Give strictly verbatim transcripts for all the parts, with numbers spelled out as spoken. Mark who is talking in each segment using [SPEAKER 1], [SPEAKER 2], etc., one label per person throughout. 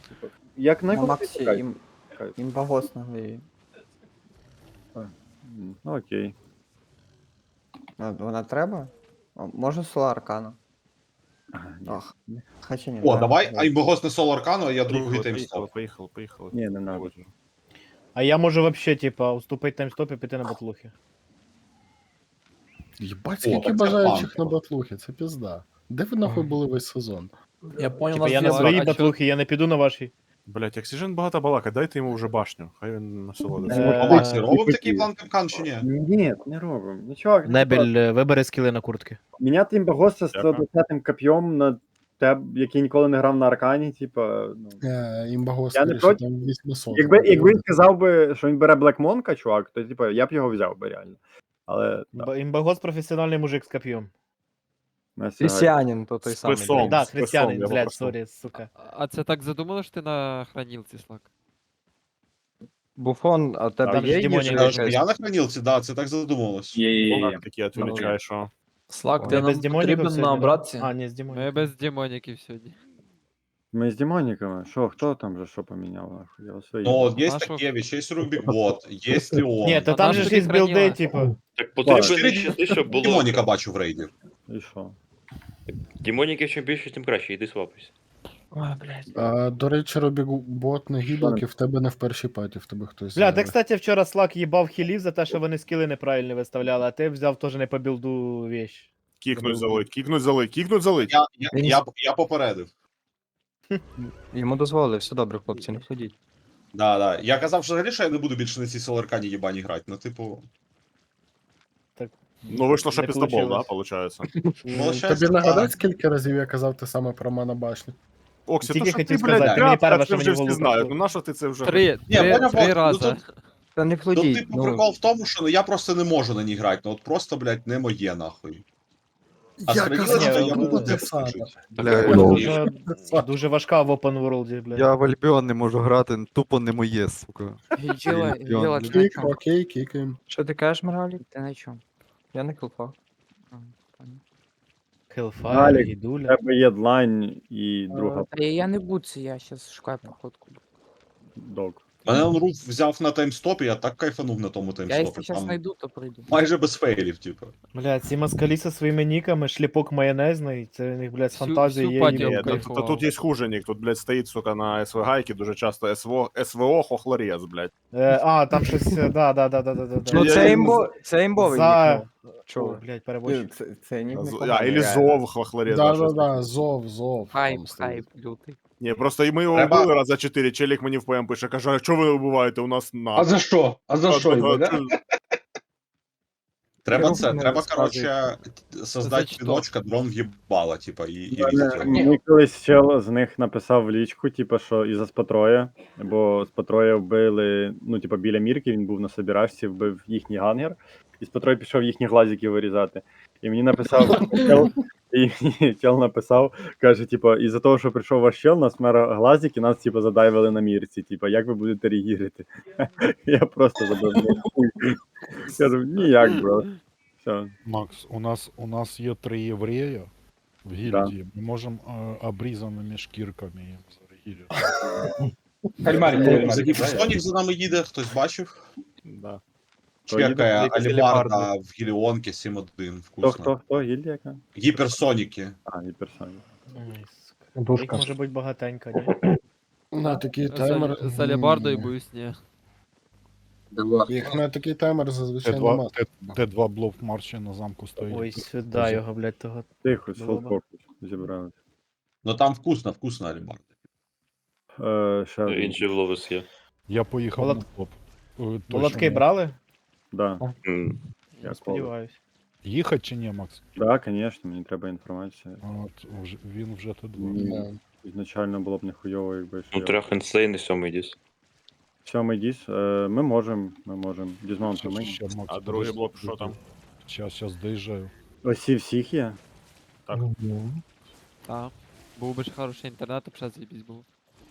[SPEAKER 1] Як
[SPEAKER 2] На
[SPEAKER 1] на
[SPEAKER 2] Максі їм, їм багос наглеє.
[SPEAKER 1] Ну окей.
[SPEAKER 2] Вона треба? О, може соло аркана?
[SPEAKER 1] Ага, ні.
[SPEAKER 2] Ах, хоча ні.
[SPEAKER 3] О,
[SPEAKER 2] да.
[SPEAKER 3] давай Аймбогос не соло аркану, а я другий
[SPEAKER 4] Поїхали,
[SPEAKER 3] таймстоп.
[SPEAKER 4] поїхали, поїхали, поїхали.
[SPEAKER 1] Ні, не надо.
[SPEAKER 4] Погоджу.
[SPEAKER 5] А я можу вообще, типа, уступити таймстоп і піти на батлухи.
[SPEAKER 6] Єбать,
[SPEAKER 3] О,
[SPEAKER 6] скільки
[SPEAKER 3] так це
[SPEAKER 6] бажаючих на
[SPEAKER 3] панково.
[SPEAKER 6] батлухи, це пізда. Де ви нахуй були весь сезон?
[SPEAKER 7] Я понял,
[SPEAKER 5] Типа
[SPEAKER 7] нас
[SPEAKER 5] я на
[SPEAKER 7] две
[SPEAKER 5] своїй
[SPEAKER 7] баки.
[SPEAKER 5] батлухи, я не піду на вашій.
[SPEAKER 4] Блять, як Сіжен багато балака, дайте йому вже башню. Хай він насолодиться.
[SPEAKER 5] Е,
[SPEAKER 3] А Максі, робив
[SPEAKER 1] типу,
[SPEAKER 3] такий
[SPEAKER 1] ті.
[SPEAKER 3] план капкан чи ні?
[SPEAKER 1] Ні, не робимо. Ну, чувак, ну,
[SPEAKER 5] Небель, е, вибери скіли на куртки.
[SPEAKER 1] міняти імбагоса з
[SPEAKER 4] Дякую.
[SPEAKER 1] сто двадцятим коп'єм на теб, який ніколи не грав на аркані, типа, ну.
[SPEAKER 6] Е, Імбагос,
[SPEAKER 1] Я не
[SPEAKER 6] скоріше,
[SPEAKER 1] проти.
[SPEAKER 6] там вісімсот.
[SPEAKER 1] Якби, якби він сказав би, що він бере Black Monka, чувак, то типа я б його взяв би реально. Але так,
[SPEAKER 5] Б- Імбагос професіональний мужик з коп'єм.
[SPEAKER 1] на сьогодні.
[SPEAKER 2] Християнин, то той
[SPEAKER 4] З
[SPEAKER 2] самий.
[SPEAKER 4] писом.
[SPEAKER 2] блін.
[SPEAKER 5] Да,
[SPEAKER 4] з
[SPEAKER 5] християнин,
[SPEAKER 4] писом, я
[SPEAKER 5] блядь,
[SPEAKER 4] попросив.
[SPEAKER 5] сорі, сука.
[SPEAKER 7] А це так задумано, що ти на хранилці, Слак?
[SPEAKER 2] Буфон, а у тебе
[SPEAKER 5] Там
[SPEAKER 2] є
[SPEAKER 5] ж демонік
[SPEAKER 2] їжа
[SPEAKER 5] должен
[SPEAKER 2] якась?
[SPEAKER 3] Я на хранилці, да, це так задумалось.
[SPEAKER 4] Так, такі відволікає, що...
[SPEAKER 7] Слак,
[SPEAKER 5] Ти
[SPEAKER 7] ти
[SPEAKER 5] без
[SPEAKER 7] нам
[SPEAKER 5] демоніків
[SPEAKER 7] потрібен
[SPEAKER 5] сьогодні,
[SPEAKER 7] на
[SPEAKER 5] да?
[SPEAKER 7] братці?
[SPEAKER 5] А, ні, з
[SPEAKER 7] Ми
[SPEAKER 5] демоніків.
[SPEAKER 7] без демоніків сьогодні.
[SPEAKER 1] Ми з демоніками. Що, хто там же що поміняв? нахуй? Я вас
[SPEAKER 3] Ну,
[SPEAKER 1] виїбав.
[SPEAKER 3] от є
[SPEAKER 7] Нашого-
[SPEAKER 3] Такевич, є Рубікбот, є Леон.
[SPEAKER 5] Ні, то
[SPEAKER 7] А
[SPEAKER 5] там
[SPEAKER 7] наш
[SPEAKER 5] же ж
[SPEAKER 7] тоді
[SPEAKER 5] є білди,
[SPEAKER 7] хранила.
[SPEAKER 5] типу.
[SPEAKER 8] Так потрібно
[SPEAKER 3] Чотири
[SPEAKER 8] нищити, щоб було.
[SPEAKER 3] Демоніка бачу в рейді.
[SPEAKER 1] І що?
[SPEAKER 8] Демоніків чим більше, тим краще, йди свапайся.
[SPEAKER 7] Ой, блядь.
[SPEAKER 6] А, до речі, Робі-бот на гіблки в тебе не в першій паті, в тебе хтось.
[SPEAKER 5] Бля,
[SPEAKER 6] зайвий.
[SPEAKER 5] ти, кстати, вчора Слак їбав хілів за те, що вони скіли неправильно виставляли, а ти взяв теж не по білду вещь.
[SPEAKER 4] Кікнуть залить, кікнуть залить, кікнуть залить.
[SPEAKER 3] Я, я, я, я попередив.
[SPEAKER 2] Йому дозволили, все добре, хлопці, не ходіть.
[SPEAKER 3] Да, да. Я казав, що взагалі, що я не буду більше на цій соларкані їбані грати. Ну, типу,
[SPEAKER 4] Ну вийшло, що
[SPEAKER 5] Не
[SPEAKER 4] пістобол, да,
[SPEAKER 5] получилось.
[SPEAKER 4] получається.
[SPEAKER 3] ну, щас,
[SPEAKER 6] Тобі нагадати,
[SPEAKER 3] да.
[SPEAKER 6] скільки разів я казав те саме про мене башню?
[SPEAKER 4] Оксі,
[SPEAKER 5] Тільки
[SPEAKER 4] то що
[SPEAKER 5] хотів
[SPEAKER 4] ти, блядь,
[SPEAKER 5] сказати, ти мені
[SPEAKER 4] тряпка,
[SPEAKER 5] перше,
[SPEAKER 4] це
[SPEAKER 5] що
[SPEAKER 4] вже
[SPEAKER 5] мені в
[SPEAKER 4] всі
[SPEAKER 5] голову
[SPEAKER 4] знають.
[SPEAKER 5] прийшло.
[SPEAKER 4] Ну на що ти це вже...
[SPEAKER 7] Три,
[SPEAKER 3] Ні,
[SPEAKER 7] три,
[SPEAKER 3] поняв,
[SPEAKER 7] три
[SPEAKER 3] ну,
[SPEAKER 7] рази.
[SPEAKER 3] тут-
[SPEAKER 2] Та не
[SPEAKER 3] Ну,
[SPEAKER 2] плодіть.
[SPEAKER 3] типу,
[SPEAKER 2] Ну,
[SPEAKER 3] прикол в тому, що ну, я просто не можу на ній грати. Ну, от просто, блядь, не моє, нахуй. А
[SPEAKER 6] Я
[SPEAKER 3] з
[SPEAKER 6] казав,
[SPEAKER 3] хранилочкою
[SPEAKER 5] що
[SPEAKER 3] я
[SPEAKER 5] буде
[SPEAKER 3] буду
[SPEAKER 6] те
[SPEAKER 3] тихо
[SPEAKER 6] саме.
[SPEAKER 3] жити.
[SPEAKER 9] Бля,
[SPEAKER 3] Ну,
[SPEAKER 5] Дуже, дуже важка в open world, блядь.
[SPEAKER 9] я в Альбіон не можу грати, тупо не моє, сука.
[SPEAKER 7] Гіла,
[SPEAKER 9] Альбіон.
[SPEAKER 7] гіла, ти на
[SPEAKER 6] Кік,
[SPEAKER 7] чому?
[SPEAKER 6] окей, кікаємо.
[SPEAKER 2] що ти кажеш, Моралі?
[SPEAKER 10] Ти на чому?
[SPEAKER 2] Я не кілфа.
[SPEAKER 5] Hellfire,
[SPEAKER 1] Галік, У
[SPEAKER 5] Гідуля.
[SPEAKER 1] тебе є длань і друга
[SPEAKER 10] Та я не буду, я зараз шукаю походку.
[SPEAKER 1] док.
[SPEAKER 3] Мене Руф взяв на таймстопі, я так кайфанув на тому
[SPEAKER 10] Я
[SPEAKER 3] таймстопі.
[SPEAKER 10] якщо зараз
[SPEAKER 3] Там
[SPEAKER 10] знайду, то прийду.
[SPEAKER 3] майже без фейлів, типу.
[SPEAKER 5] Блядь, ці москалі зі своїми ніками, шліпок майонезний, це у них, блядь, з
[SPEAKER 7] Всю-
[SPEAKER 5] фантазії
[SPEAKER 7] всю
[SPEAKER 5] є.
[SPEAKER 7] патію
[SPEAKER 5] і-
[SPEAKER 4] Ні, тут,
[SPEAKER 7] кайфував.
[SPEAKER 4] тут, тут є хуже нік, тут, блядь, стоїть, сука, на СВ гайки дуже часто СВО, СВО хохлорез, блядь.
[SPEAKER 5] Е, а, там щось, е, да, да, да, да, да, да.
[SPEAKER 2] Ну
[SPEAKER 4] Я-
[SPEAKER 2] це
[SPEAKER 4] я-
[SPEAKER 2] імбо, це імбовий
[SPEAKER 5] За...
[SPEAKER 2] нік, ну.
[SPEAKER 5] О,
[SPEAKER 2] Чого?
[SPEAKER 5] блядь,
[SPEAKER 2] Ні,
[SPEAKER 5] переборщик.
[SPEAKER 2] Це, це нік не
[SPEAKER 4] З- А,
[SPEAKER 2] поганий,
[SPEAKER 4] или
[SPEAKER 2] реально.
[SPEAKER 4] зов хохлорез.
[SPEAKER 6] Да,
[SPEAKER 4] щось
[SPEAKER 6] да,
[SPEAKER 4] таке.
[SPEAKER 6] да, зов, зов.
[SPEAKER 10] Хайп,
[SPEAKER 6] там стоїть.
[SPEAKER 10] хайп, лютий.
[SPEAKER 4] Ні, просто і ми його
[SPEAKER 3] Треба-
[SPEAKER 4] вбили раз за чотири, челік мені в ПМ пише, каже, а що ви вбиваєте, у нас на.
[SPEAKER 11] А за що? А за що його, да?
[SPEAKER 3] Треба
[SPEAKER 2] Руф
[SPEAKER 3] це,
[SPEAKER 2] не
[SPEAKER 3] треба,
[SPEAKER 2] розказує.
[SPEAKER 3] коротше, создати
[SPEAKER 7] що?
[SPEAKER 3] піночка, дрон в'їбала, типа, і, і
[SPEAKER 1] Мене-
[SPEAKER 3] вісити.
[SPEAKER 1] Мені колись чел з них написав в лічку, типу, що із-за Спатроя, бо Спатроя вбили, ну, типу, біля Мірки, він був на собірашці, вбив їхній гангер, і Спатрой пішов їхні глазики вирізати. І мені написав, чел, і мені чел написав, каже, типу, із-за того, що прийшов ваш чел, нас мера глазики, нас, типу, задайвили на Мірці, типу, як ви будете реагувати? Я просто забив. хуй. Кажу, ніяк, бро. Все.
[SPEAKER 6] Макс, у нас, у нас є три єврея в гільдії. Ми можемо е, обрізаними шкірками їм зарегірити.
[SPEAKER 11] Кальмарик,
[SPEAKER 3] За
[SPEAKER 11] кальмарик.
[SPEAKER 3] Гіперсонік за нами їде, хтось бачив?
[SPEAKER 4] Да.
[SPEAKER 1] Хто їде?
[SPEAKER 3] Чекає
[SPEAKER 2] Якась
[SPEAKER 3] Алібарда
[SPEAKER 2] Алібарда.
[SPEAKER 3] в Гіліонки сім один,
[SPEAKER 1] Хто,
[SPEAKER 3] вкусно.
[SPEAKER 1] хто, хто? Гільдія яка?
[SPEAKER 3] Гіперсоніки.
[SPEAKER 1] А, гіперсонік.
[SPEAKER 5] Ой, сука. Їх може бути багатенько, ні?
[SPEAKER 6] На такий
[SPEAKER 7] З
[SPEAKER 6] таймер.
[SPEAKER 7] Алі- З Алібардою
[SPEAKER 6] ні.
[SPEAKER 7] боюсь, ні.
[SPEAKER 6] Їх на такий таймер зазвичай
[SPEAKER 4] Т2,
[SPEAKER 6] нема.
[SPEAKER 4] Т- Т2 блок марші на замку стоїть.
[SPEAKER 5] Ой, сюди його, блядь, того.
[SPEAKER 1] Тихо,
[SPEAKER 5] Було
[SPEAKER 1] фул
[SPEAKER 5] б.
[SPEAKER 1] фокус зібрали.
[SPEAKER 3] Ну там вкусно, вкусно Алібарда.
[SPEAKER 1] Е, ще один.
[SPEAKER 8] Інший ловис є.
[SPEAKER 6] Я поїхав
[SPEAKER 5] Молот-
[SPEAKER 6] на топ. Е, точно.
[SPEAKER 5] Молотки брали?
[SPEAKER 1] Да.
[SPEAKER 8] М.
[SPEAKER 5] Я
[SPEAKER 1] Я
[SPEAKER 5] сподіваюсь.
[SPEAKER 6] Їхати чи ні, Макс?
[SPEAKER 1] Да, звісно, мені треба інформація.
[SPEAKER 6] От, вже, він вже Т два.
[SPEAKER 1] Ні. Ізначально було б нехуйово, якби що.
[SPEAKER 8] Ну,
[SPEAKER 1] я-
[SPEAKER 8] трьох інсейн і сьомий діс.
[SPEAKER 1] Сьомий діс. Е, ми можемо, ми можемо. Дізмаунт
[SPEAKER 6] Щас,
[SPEAKER 1] ми.
[SPEAKER 6] ще, Макс,
[SPEAKER 4] А другий
[SPEAKER 6] подожди,
[SPEAKER 4] блок, що там?
[SPEAKER 6] Щас, щас доїжджаю.
[SPEAKER 1] Осі всіх є.
[SPEAKER 4] Так.
[SPEAKER 7] Так. Був би ж хороший інтернет, а б ще заєбісь був.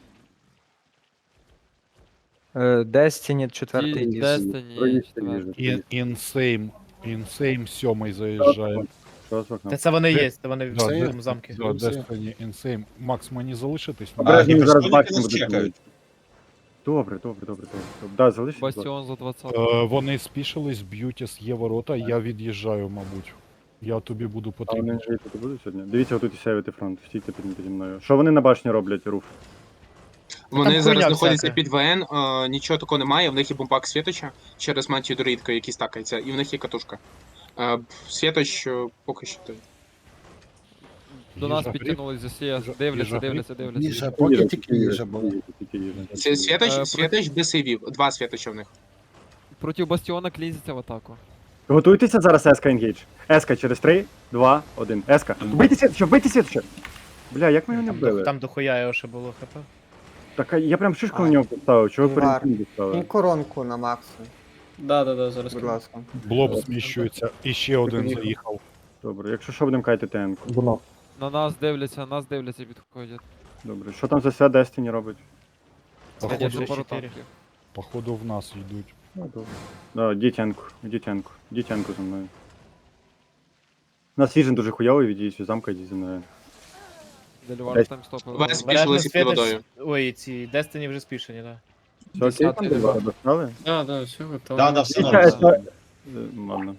[SPEAKER 2] Е, Destiny четвертий
[SPEAKER 7] Ді-
[SPEAKER 2] діс.
[SPEAKER 7] Destiny,
[SPEAKER 1] Проїзд
[SPEAKER 7] четвертий.
[SPEAKER 6] Ін- Інсейм, інсейм сьомий заїжджає.
[SPEAKER 1] Що з вікном?
[SPEAKER 5] Та це вони є, це вони в
[SPEAKER 6] Да,
[SPEAKER 5] своєму
[SPEAKER 6] де-
[SPEAKER 5] замки.
[SPEAKER 6] Да, Destiny Insane. Макс, мені залишитись?
[SPEAKER 1] Обережно,
[SPEAKER 3] А,
[SPEAKER 1] зараз
[SPEAKER 3] Бастіоніки
[SPEAKER 1] бачимо
[SPEAKER 3] нас
[SPEAKER 1] будуть
[SPEAKER 3] чекають.
[SPEAKER 1] бити. Добре, добре, добре, добре. добре. Да, залишись. будь ласка.
[SPEAKER 7] Бастіон за двадцять.
[SPEAKER 6] Е, вони спішились, б'ють ес є ворота, я від'їжджаю, мабуть. Я тобі буду
[SPEAKER 1] А вони
[SPEAKER 6] потрібен.
[SPEAKER 1] вже тут будуть сьогодні? Дивіться, отут і сяєвити фронт. Стійте під, піді мною. Що вони на башні роблять, Руф?
[SPEAKER 12] Вони
[SPEAKER 5] Там
[SPEAKER 12] зараз
[SPEAKER 5] хуйня
[SPEAKER 12] знаходяться
[SPEAKER 5] всяка.
[SPEAKER 12] під ВН, е, нічого такого немає, в них є бомбак Світоча через мантію Друїдка, який стакається, і в них є катушка. Е, Світоч е, поки що той.
[SPEAKER 7] До нас
[SPEAKER 6] Їжа
[SPEAKER 7] підтягнулись з усієї.
[SPEAKER 6] Їжа-
[SPEAKER 7] Дивляться,
[SPEAKER 6] їжа
[SPEAKER 7] дивляться, дивляться.
[SPEAKER 1] Їжа, поки тільки їжа була.
[SPEAKER 12] Сві- Світоч,
[SPEAKER 7] Е,
[SPEAKER 12] Світоч без сейвів, два Світоча в них.
[SPEAKER 7] Проти Бастіона клізиться в атаку.
[SPEAKER 1] Готуйтеся зараз Еска Engage. Еска через три, два, один. Еска. Вбийте Світоча, вбийте Світоча! Бля, як ми його не
[SPEAKER 5] Там, до,
[SPEAKER 1] вбили?
[SPEAKER 5] там дохуя його ще було хп.
[SPEAKER 1] Так, а я прям шишку на нього поставив, чого ви
[SPEAKER 10] Вар.
[SPEAKER 1] перед поставили?
[SPEAKER 10] коронку на максу,
[SPEAKER 11] Да, да, да, зараз.
[SPEAKER 10] будь ласка.
[SPEAKER 6] Блоб зміщується, і ще один заїхав.
[SPEAKER 1] Добре, якщо що, будемо кайти ТН-ку.
[SPEAKER 7] На нас дивляться, на нас дивляться, підходять.
[SPEAKER 1] Добре, що там за свят Destiny робить?
[SPEAKER 5] Походу,
[SPEAKER 7] Є
[SPEAKER 6] Походу,
[SPEAKER 5] ще
[SPEAKER 7] пару
[SPEAKER 5] чотири.
[SPEAKER 7] танків.
[SPEAKER 6] походу в нас йдуть.
[SPEAKER 1] Ну, добре. Да, дітянку, дітянку, дітянку за мною. У нас віжен дуже хуйовий, відійдіть від замка, йдіть за мною.
[SPEAKER 7] Дельвар там стопив.
[SPEAKER 12] Вес
[SPEAKER 5] Обережно
[SPEAKER 12] спішилися під
[SPEAKER 5] Світоч-
[SPEAKER 12] водою.
[SPEAKER 5] Ой, ці Destiny вже спішені, да.
[SPEAKER 1] Все окей,
[SPEAKER 7] Десятий
[SPEAKER 1] там
[SPEAKER 7] левел.
[SPEAKER 1] достали?
[SPEAKER 11] Да, да, все готово.
[SPEAKER 3] Да, да, все
[SPEAKER 1] Дивіться,
[SPEAKER 3] нормально.
[SPEAKER 1] Еска- Е, Ладно.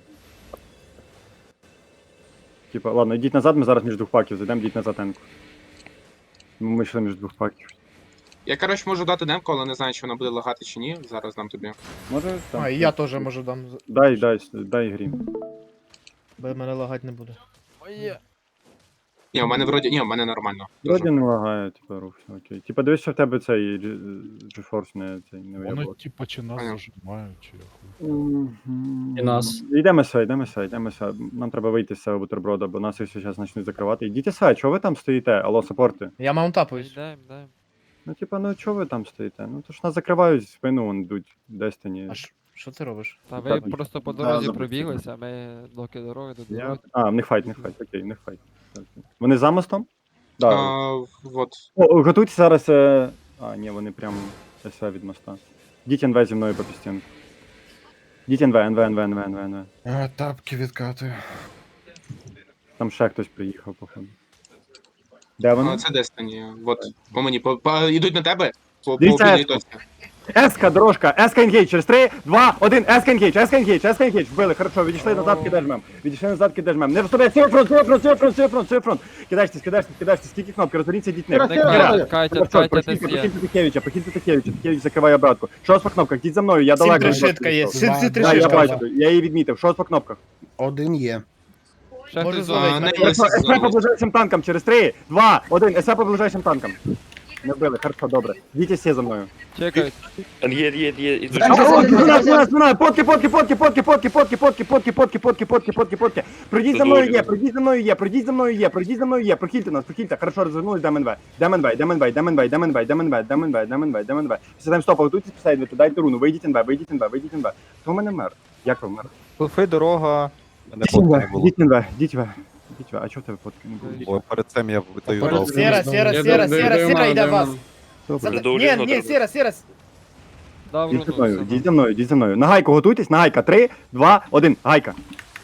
[SPEAKER 1] Типа, ладно, йдіть назад, ми зараз між двох паків зайдемо, йдіть назад танку. Ми йшли між двох паків.
[SPEAKER 12] Я, коротше, можу дати демку, але не знаю, чи вона буде лагати чи ні. Зараз дам тобі.
[SPEAKER 1] Може, там.
[SPEAKER 5] А, і я теж можу дам,
[SPEAKER 1] Дай, дай, дай грім.
[SPEAKER 5] бо мене лагати не буде.
[SPEAKER 7] Моє.
[SPEAKER 12] Ні, у мене вроді. Ні, у мене нормально.
[SPEAKER 1] Вроді не лагає, типа, рух, все окей. Типа, дивись, що в тебе цей GeForce не, цей, не
[SPEAKER 6] Вони
[SPEAKER 1] виявило.
[SPEAKER 6] типа чи нас
[SPEAKER 12] Понял.
[SPEAKER 6] зажимають, чи я хуй.
[SPEAKER 1] І
[SPEAKER 11] нас.
[SPEAKER 1] Йдемо сюди, йдемо сюди, йдемо сюди. Нам треба вийти з цього бутерброда, бо нас їх зараз почнуть закривати. Йдіть сюди, чого ви там стоїте? Алло, саппорти.
[SPEAKER 5] Я маунтапуюсь.
[SPEAKER 7] Йдем, йдем.
[SPEAKER 1] Ну, типа, ну чого ви там стоїте? Ну, то ж нас закривають, в спину вон йдуть, Destiny.
[SPEAKER 5] А ш- що ти робиш?
[SPEAKER 7] Та ви
[SPEAKER 1] Так,
[SPEAKER 7] просто по
[SPEAKER 1] да,
[SPEAKER 7] дорозі
[SPEAKER 1] забув.
[SPEAKER 7] пробіглися, а ми доки дороги до
[SPEAKER 1] Я...
[SPEAKER 7] дороги.
[SPEAKER 1] А, в них файт, в них файт, окей, в них файт. Вони за мостом? Да.
[SPEAKER 12] А, от.
[SPEAKER 1] О, готуйтесь зараз. Е... А, ні, вони прям СВ від моста. Діть НВ зі мною по пістінку. Діть НВ, НВ, НВ, НВ, НВ, НВ.
[SPEAKER 6] Тапки відкати.
[SPEAKER 1] Там ще хтось приїхав, походу. Де вони?
[SPEAKER 12] А, це Destiny. От. По мені. По, по, ідуть на тебе. По, по
[SPEAKER 1] Дивіться,
[SPEAKER 12] обідній
[SPEAKER 1] Еско.
[SPEAKER 12] точці.
[SPEAKER 1] Еска, дорожка, Еска Engage, через три, два, один, Еска Engage, Еска Engage, Еска Engage, вбили, хорошо, відійшли назад, кидаєш мем, відійшли назад, кидаєш мем, не вставляй, сівер фронт, сівер фронт, сівер фронт, сівер фронт, сівер фронт, кидаєтесь, кидаєтесь, кидаєтесь, скільки кнопки, розверніться, йдіть не.
[SPEAKER 7] Не катять, катять, катять
[SPEAKER 1] Прохильте
[SPEAKER 7] ес є.
[SPEAKER 1] Такевича, прохильте Такевича, Такевич закриває обратку. Що по кнопках, йдіть за мною, я
[SPEAKER 5] Сім
[SPEAKER 1] далеко.
[SPEAKER 5] тришитка є, сім сім
[SPEAKER 1] Да, я
[SPEAKER 5] тришитка.
[SPEAKER 1] бачу, я її відмітив, що по кнопках?
[SPEAKER 6] Один є.
[SPEAKER 7] Ще
[SPEAKER 5] Може,
[SPEAKER 7] хтось
[SPEAKER 5] зловить
[SPEAKER 12] А,
[SPEAKER 7] зловить.
[SPEAKER 12] не,
[SPEAKER 1] Хорошо, СП по ближайшим танкам, через три, два, один, СП по ближайшим танкам. Не вбили, хорошо, добре. Йдіть всі за мною.
[SPEAKER 7] Чекають.
[SPEAKER 8] Є, є, є, ідуть.
[SPEAKER 1] Спина, спина, спина, потки, потки, потки, потки, потки, потки, потки, потки, потки, потки, потки, потки, потки. Пройдіть за мною є, пройдіть за мною є, пройдіть за мною є, пройдіть за мною є, прохильте нас, прохильте, хорошо, розвернулись, дам НВ, дам НВ, дам НВ, дам НВ, дам НВ, дам НВ, дам НВ, дам НВ, дам НВ. Після таймстопа готуйтесь, писайте, дайте руну, вийдіть НВ, вийдіть НВ, вийдіть НВ. Хто в мене мер? Як ви мер?
[SPEAKER 2] Фулфи, дорога.
[SPEAKER 9] Мене фотки не було.
[SPEAKER 1] Йдіть НВ, йдіть НВ. Йдіть НВ, а чого в тебе фотки не було?
[SPEAKER 9] Бо перед цим я видаю
[SPEAKER 5] Сера,
[SPEAKER 9] дал.
[SPEAKER 5] сера, сера, сера, сера, сера, йде вас.
[SPEAKER 1] Добре.
[SPEAKER 8] До
[SPEAKER 5] Ні,
[SPEAKER 8] Оліна
[SPEAKER 5] ні,
[SPEAKER 8] треба.
[SPEAKER 5] сера, сера.
[SPEAKER 7] Дав
[SPEAKER 1] Йдіть за
[SPEAKER 7] руну.
[SPEAKER 1] мною,
[SPEAKER 7] все,
[SPEAKER 1] йдіть за мною, йдіть за мною. На гайку готуйтесь, на гайка. Три, два, один, гайка.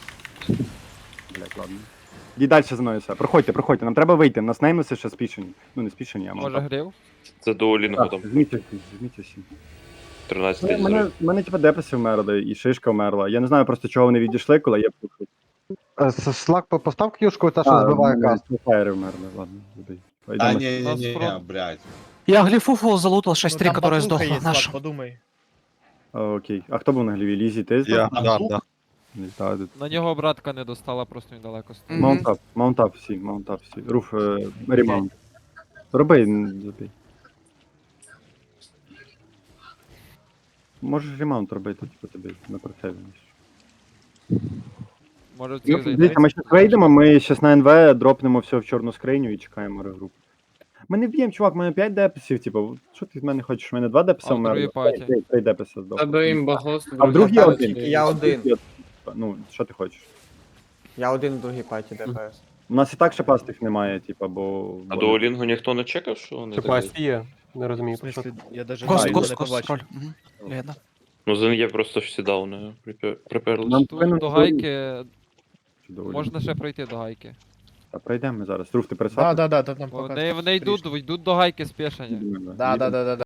[SPEAKER 1] Блять, ладно. Йдіть далі за мною все. Проходьте, проходьте, нам треба вийти. Нас неймеси ще спішені. Ну не спішені, а
[SPEAKER 7] Може
[SPEAKER 1] може.
[SPEAKER 7] грів?
[SPEAKER 8] Це до Олінгу там.
[SPEAKER 1] Змійте всі, змійте всі.
[SPEAKER 8] тринадцять
[SPEAKER 1] Мене,
[SPEAKER 8] тисяч.
[SPEAKER 1] мене, мене типа деписи вмерли, і шишка вмерла. Я не знаю просто, чого вони відійшли, коли я пухав.
[SPEAKER 2] Слак постав к'юшку, та
[SPEAKER 1] Фаєри вмерли, ладно, забий.
[SPEAKER 3] А,
[SPEAKER 1] Йдемо.
[SPEAKER 3] ні, ні,
[SPEAKER 7] Нас
[SPEAKER 3] ні,
[SPEAKER 7] фронт.
[SPEAKER 3] блядь.
[SPEAKER 10] Я глифуфу залутал
[SPEAKER 5] Ну, там батуха є, Слав, подумай.
[SPEAKER 1] А, окей. А хто був на гліві? Лізі, ти?
[SPEAKER 9] Я,
[SPEAKER 3] А,
[SPEAKER 9] да,
[SPEAKER 3] тут?
[SPEAKER 9] да.
[SPEAKER 1] Ні, та, ти-
[SPEAKER 7] На нього братка не достала, просто він далеко стоїть.
[SPEAKER 1] Маунтап, маунтап всі, маунтап всі. Руф, е, ремаунт. Роби, н- забий. Можеш ремаунт робити, типу тобі на процесі.
[SPEAKER 7] Може
[SPEAKER 1] Ну,
[SPEAKER 7] цих зайти.
[SPEAKER 1] дивіться, ми зараз вийдемо, ми зараз на НВ дропнемо все в чорну скриню і чекаємо регрупу. Ми не вб'ємо, чувак, у мене п'ять деписів, типу, що ти від мене хочеш? У мене два деписа
[SPEAKER 7] А в другій
[SPEAKER 1] вмерли.
[SPEAKER 7] паті?
[SPEAKER 1] Три- Три деписа здох.
[SPEAKER 11] Тебе імбагос.
[SPEAKER 1] А в другій один.
[SPEAKER 10] Я один.
[SPEAKER 1] Ну, що ти хочеш?
[SPEAKER 10] Я один в другій паті ДПС.
[SPEAKER 1] У нас і так ще пастих немає, типу, бо...
[SPEAKER 8] А до Олінгу ніхто не чекав, що вони так?
[SPEAKER 2] є. Не
[SPEAKER 5] В
[SPEAKER 2] розумію.
[SPEAKER 5] смислі, я даже
[SPEAKER 1] Гос,
[SPEAKER 5] не
[SPEAKER 1] гос,
[SPEAKER 5] не побачив.
[SPEAKER 8] Ну, за є просто всі дауни припер- приперли.
[SPEAKER 1] Нам
[SPEAKER 7] Тут
[SPEAKER 1] повинен
[SPEAKER 7] до
[SPEAKER 1] бути-
[SPEAKER 7] гайки
[SPEAKER 1] доволі.
[SPEAKER 7] Можна ще пройти до гайки.
[SPEAKER 1] Та пройдемо ми зараз. Руф, ти
[SPEAKER 5] Да,
[SPEAKER 1] пересадиш?
[SPEAKER 5] да, да, та там
[SPEAKER 7] Вони,
[SPEAKER 5] поки
[SPEAKER 7] вони йдуть, йдуть до гайки спешені.
[SPEAKER 5] Да, да, да, да,